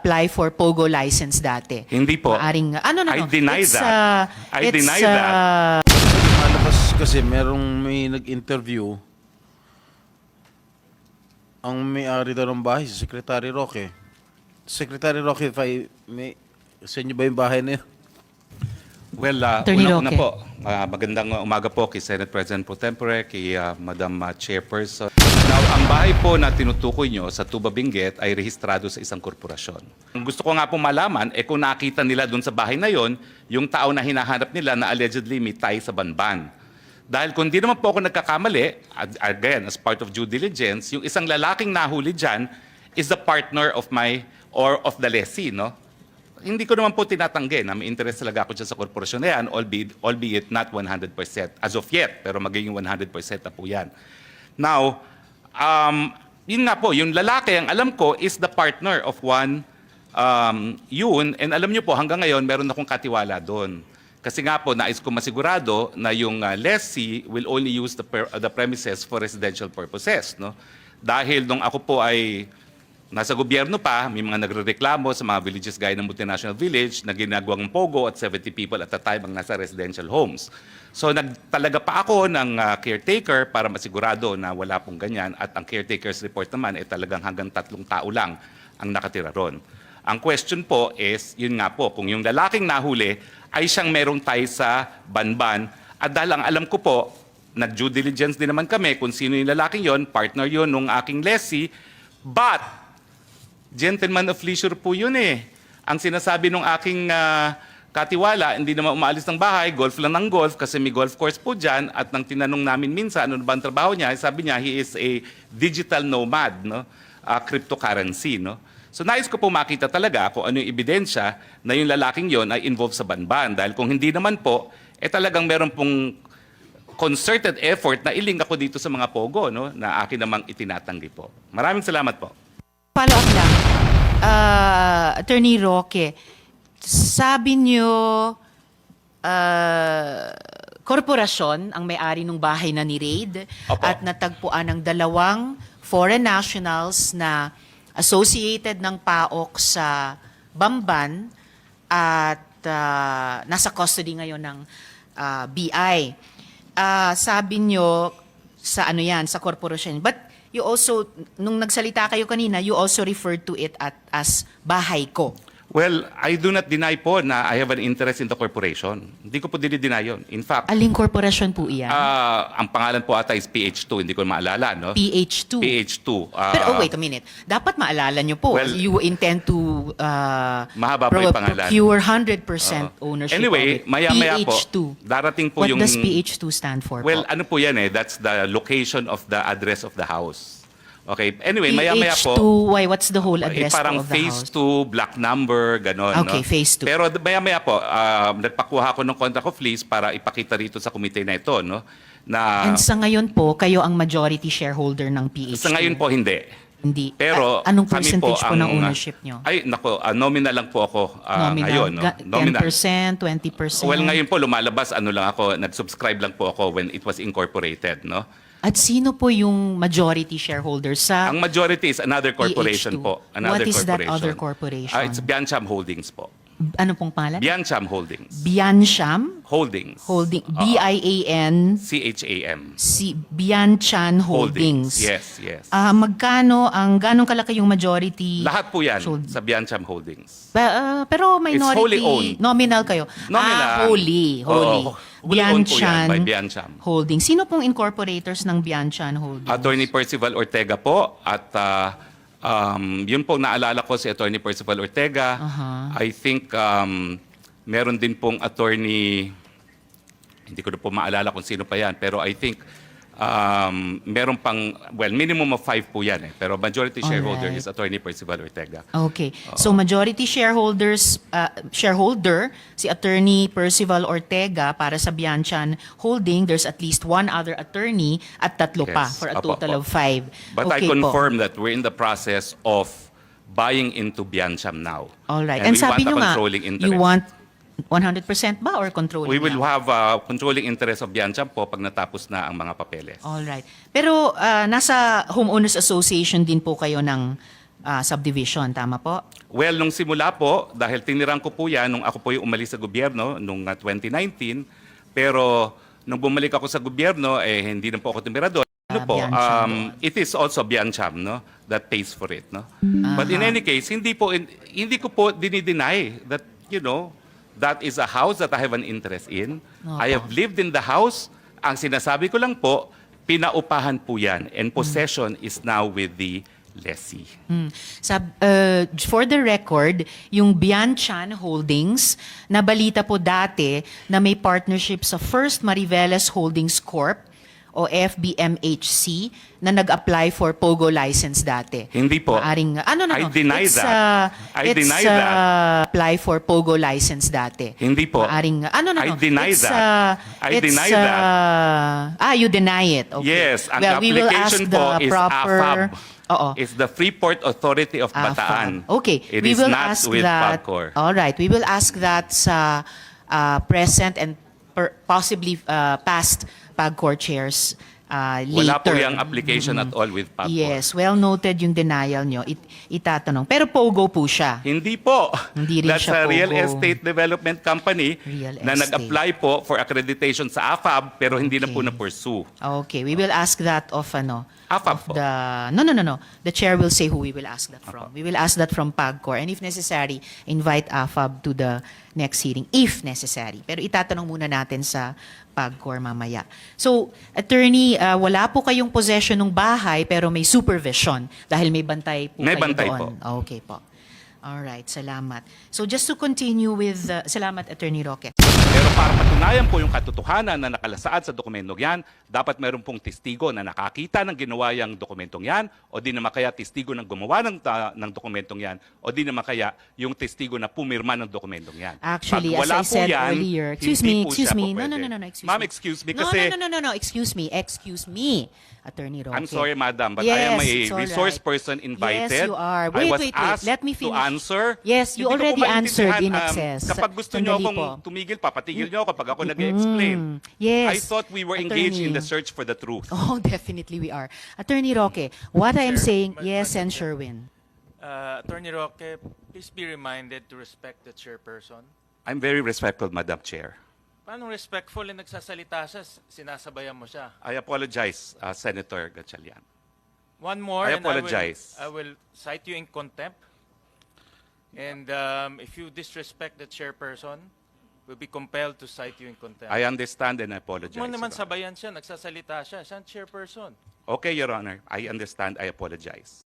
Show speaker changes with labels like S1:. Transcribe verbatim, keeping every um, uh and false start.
S1: nag-apply for POGO license dati.
S2: Hindi po.
S1: Maaring, ano, no,
S2: I
S1: no.
S2: deny
S1: it's,
S2: that.
S1: uh,
S2: I
S1: it's,
S2: deny
S1: uh,
S2: that.
S3: Malakas kasi merong may nag-interview. Ang may-ari daw ng bahay, si Secretary Roque. Secretary Roque, if I may, sa inyo ba yung bahay na yun?
S2: Well, uh,
S1: Attorney
S2: una-una
S1: Roque.
S2: po, uh, magandang umaga po kay Senate President Pro Tempore, kay uh, Madam uh, Chairperson. Now, ang bahay po na tinutukoy nyo sa Tuba Benguet ay rehistrado sa isang korporasyon. Ang gusto ko nga po malaman, eh kung nakita nila dun sa bahay na yon, yung tao na hinahanap nila na allegedly may tie sa Banban. Dahil kung di naman po ako nagkakamali, again, as part of due diligence, yung isang lalaking nahuli dyan is the partner of my, or of the lessee, no? Hindi ko naman po tinatanggi na may interest talaga ako dyan sa korporasyon na yan, albeit, albeit not one hundred percent as of yet, pero magiging one hundred percent na po yan. Now, um, yun nga po, yung lalaki, ang alam ko, is the partner of one um, yun, and alam nyo po, hanggang ngayon, meron akong katiwala doon. Kasi nga po, nais ko masigurado na yung uh, lessee will only use the, per, uh, the premises for residential purposes. No? Dahil nung ako po ay nasa gobyerno pa, may mga nagrereklamo sa mga villages gaya ng multinational village na ginagawang POGO at seventy people at a time ang nasa residential homes. So nagtalaga pa ako ng uh, caretaker para masigurado na wala pong ganyan at ang caretaker's report naman ay talagang hanggang tatlong tao lang ang nakatira ron. Ang question po is, yun nga po, kung yung lalaking nahuli ay siyang merong tie sa Banban at dahil ang alam ko po, nag-due diligence din naman kami kung sino yung lalaking yon, partner yon nung aking lessee, but gentleman of leisure po yun eh. Ang sinasabi nung aking uh, katiwala, hindi naman umaalis ng bahay, golf lang ng golf kasi may golf course po dyan at nang tinanong namin minsan ano ba ang trabaho niya, sabi niya he is a digital nomad, no? Uh, cryptocurrency. No? So nais ko po makita talaga kung ano yung ebidensya na yung lalaking yon ay involved sa Banban. Dahil kung hindi naman po, eh talagang meron pong concerted effort na iling ako dito sa mga POGO no? Na akin namang itinatanggi po. Maraming salamat po.
S1: follow up lang. Uh, Attorney Roque, sabi niyo uh, korporasyon ang may-ari ng bahay na ni-raid at natagpuan ng dalawang foreign nationals na associated ng P A O K sa Bamban at uh, nasa custody ngayon ng uh, B I. Uh, sabi niyo sa ano yan, sa korporasyon. But you also, nung nagsalita kayo kanina, you also referred to it at, as bahay ko.
S2: Well, I do not deny po na I have an interest in the corporation. Hindi ko po dinideny yun. In fact,
S1: Aling korporasyon po iyan?
S2: uh, ang pangalan po ata is P H two. Hindi ko maalala, no?
S1: P H two.
S2: P H two. Uh,
S1: Pero oh, wait a minute. Dapat maalala nyo po.
S2: Well,
S1: you intend to uh,
S2: mahaba po yung pangalan.
S1: procure one hundred percent
S2: Uh,
S1: ownership
S2: anyway,
S1: of it.
S2: maya-maya po,
S1: P H two.
S2: darating po
S1: What
S2: yung...
S1: does P H two stand for
S2: Well,
S1: po?
S2: ano po yan eh? That's the location of the address of the house. Okay. Anyway, maya-maya po...
S1: P H two, why, what's the whole
S2: Eh,
S1: address
S2: parang
S1: po of the
S2: phase
S1: house?
S2: two, black number, gano'n.
S1: Okay,
S2: no?
S1: phase two.
S2: Pero maya-maya po, uh, nagpakuha ko ng contract of lease para ipakita rito sa komite na ito, no? Na,
S1: And sa ngayon po, kayo ang majority shareholder ng P H two.
S2: sa ngayon po, hindi.
S1: Hindi.
S2: Pero
S1: A- anong
S2: kami
S1: percentage po,
S2: ang,
S1: ng ownership nyo?
S2: Ay, nako, uh, nominal lang po ako uh,
S1: Nominal?
S2: ngayon. No?
S1: Ga-
S2: Nominal.
S1: ten percent, twenty percent?
S2: Well, ngayon po, lumalabas, ano lang ako, nag-subscribe lang po ako when it was incorporated, no?
S1: At sino po yung majority shareholder sa
S2: Ang majority is another corporation
S1: P H two?
S2: po. Another
S1: What is that
S2: corporation.
S1: other corporation?
S2: Ah, it's Biancham Holdings po.
S1: ano pong pangalan?
S2: Biancham Holdings.
S1: Biancham
S2: Holdings.
S1: Holding, B I A N
S2: C H A M.
S1: si Bianchan Holdings.
S2: Yes, yes.
S1: Ah, magkano ang ganong kalaki yung majority?
S2: Lahat po yan
S1: Sold.
S2: sa Biancham Holdings.
S1: Ba- ah, pero minority
S2: wholly owned.
S1: nominal kayo.
S2: Nominal.
S1: Ah, wholly, wholly.
S2: Oo, wholly owned po yan
S1: Bianchan
S2: by Biancham.
S1: Holdings. Sino pong incorporators ng Bianchan Holdings?
S2: Attorney Percival Ortega po at ah, um, yun po naalala ko si Attorney Percival Ortega.
S1: Aha.
S2: I think um, meron din pong attorney, hindi ko na po maalala kung sino pa yan, pero I think um, meron pang, well, minimum of five po yan eh. Pero majority shareholder
S1: Alright.
S2: is Attorney Percival Ortega.
S1: Okay. So majority shareholders uh, shareholder si Attorney Percival Ortega para sa Bianchan Holding. There's at least one other attorney at tatlo pa
S2: Yes.
S1: for a
S2: Apo,
S1: total
S2: apo.
S1: of five.
S2: But
S1: okay
S2: I
S1: po.
S2: confirm that we're in the process of buying into Biancham now.
S1: All right.
S2: And,
S1: And,
S2: we
S1: sabi
S2: want a
S1: nyo nga,
S2: controlling interest.
S1: you want one hundred percent ba or controlling
S2: We will
S1: lang?
S2: have a controlling interest of Biancham po pag natapos na ang mga papeles.
S1: All right. Pero uh, nasa Homeowners Association din po kayo ng ah, subdivision. Tama po?
S2: Well, nung simula po, dahil tinirang ko po yan, nung ako po yung umalis sa gobyerno, nung uh, twenty nineteen, pero nung bumalik ako sa gobyerno, eh, hindi na po ako tumira doon. Ano
S1: Ah,
S2: po,
S1: Biancham
S2: um, it is also Biancham, no, that pays for it, no. But in any case, hindi po, hindi ko po dinideny that, you know, that is a house that I have an interest in. I have lived in the house. Ang sinasabi ko lang po, pinaupahan po yan, and possession is now with the lessee.
S1: Hmm. Sab, uh, for the record, yung Bianchan Holdings, nabalita po dati na may partnership sa First Mariveles Holdings Corp o F B M H C na nag-apply for POGO license dati.
S2: Hindi po.
S1: Maaring, ano, no,
S2: I
S1: no.
S2: deny
S1: it's,
S2: that.
S1: Uh,
S2: I
S1: it's,
S2: deny
S1: uh,
S2: that.
S1: apply for POGO license dati.
S2: Hindi po.
S1: Maaring, ano, no,
S2: I
S1: no.
S2: deny
S1: it's,
S2: that.
S1: Uh,
S2: I
S1: it's,
S2: deny
S1: uh,
S2: that.
S1: Ah, you deny it. Okay.
S2: Yes, ang
S1: well, we will ask
S2: application
S1: the
S2: po is
S1: proper,
S2: A F A B.
S1: Oo.
S2: It's the Freeport Authority of
S1: A F A B.
S2: Bataan.
S1: Okay,
S2: It
S1: we
S2: is
S1: will
S2: not
S1: ask
S2: with
S1: that.
S2: PAGCOR.
S1: All right, we will ask that sa uh, present and per, possibly uh, past PAGCOR chairs uh, later.
S2: Wala po yung application at all with PAGCOR.
S1: Yes, well noted yung denial nyo. It, itatanong. Pero POGO po siya.
S2: Hindi po.
S1: Hindi rin
S2: That's
S1: siya
S2: a real
S1: POGO.
S2: estate development company
S1: Real
S2: na
S1: estate.
S2: nag-apply po for accreditation sa A F A B pero hindi na po
S1: Okay.
S2: na-pursue.
S1: Okay, we will ask that of ano.
S2: A F A B
S1: of
S2: po.
S1: the no no no no. The chair will say who we will ask that from. We will ask that from PAGCOR, and if necessary, invite A F A B to the next hearing if necessary. Pero itatanong muna natin sa PAGCOR mamaya. So, attorney, uh, wala po kayong possession ng bahay pero may supervision dahil may bantay po
S2: May
S1: kayo
S2: bantay
S1: doon. Okay po. All right, salamat. So just to continue with uh, salamat Attorney Roque.
S2: Pero para patunayan po yung katotohanan na nakalasaad sa dokumentong yan, dapat meron pong testigo na nakakita ng ginawa yung dokumentong yan, o di naman kaya testigo ng gumawa ng, ta- ng dokumentong yan, o di naman kaya yung testigo na pumirma ng dokumentong yan.
S1: Actually,
S2: Pag
S1: as
S2: wala
S1: I
S2: po
S1: said
S2: yan,
S1: earlier, excuse
S2: hindi
S1: me,
S2: po
S1: excuse
S2: siya
S1: me.
S2: po
S1: No, no,
S2: pwede.
S1: no, no, no, excuse
S2: Ma'am,
S1: me.
S2: excuse me
S1: No,
S2: kasi
S1: No, no, no, no, no, excuse me, excuse me, Attorney Roque.
S2: I'm sorry, madam, but I am
S1: Yes,
S2: a
S1: it's all
S2: resource
S1: right.
S2: person invited.
S1: Yes, you are.
S2: I
S1: Wait,
S2: was
S1: wait, wait.
S2: asked
S1: Let me
S2: to
S1: finish.
S2: answer.
S1: Yes, you
S2: Hindi ko po
S1: already answered in
S2: maintindihan, um,
S1: excess.
S2: Kapag gusto niyo
S1: Sandali
S2: akong
S1: po.
S2: tumigil, papatigil niyo ako kapag ako nag-explain.
S1: Yes.
S2: I thought we were engaged in
S1: Attorney.
S2: the search for the truth.
S1: Oh, definitely we are. Attorney Roque, what I am
S4: Chair,
S1: saying,
S4: Ma-
S1: yes,
S4: Madam
S1: and
S4: Chair.
S1: Sherwin.
S4: Uh, Attorney Roque, please be reminded to respect the chairperson.
S2: I'm very respectful, Madam Chair.
S4: Paano respectful na nagsasalita siya, sasabayan mo siya?
S2: I apologize, uh, Senator Gatchalian.
S4: One more,
S2: I
S4: and
S2: apologize.
S4: I will, I will cite you in contempt. And um, if you disrespect the chairperson, we'll be compelled to cite you in contempt.
S2: I understand and I apologize.
S4: Huwag mo naman
S2: Your Honor.
S4: sabayan siya, nagsasalita siya, siya ang chairperson.
S2: Okay, Your Honor. I understand. I apologize.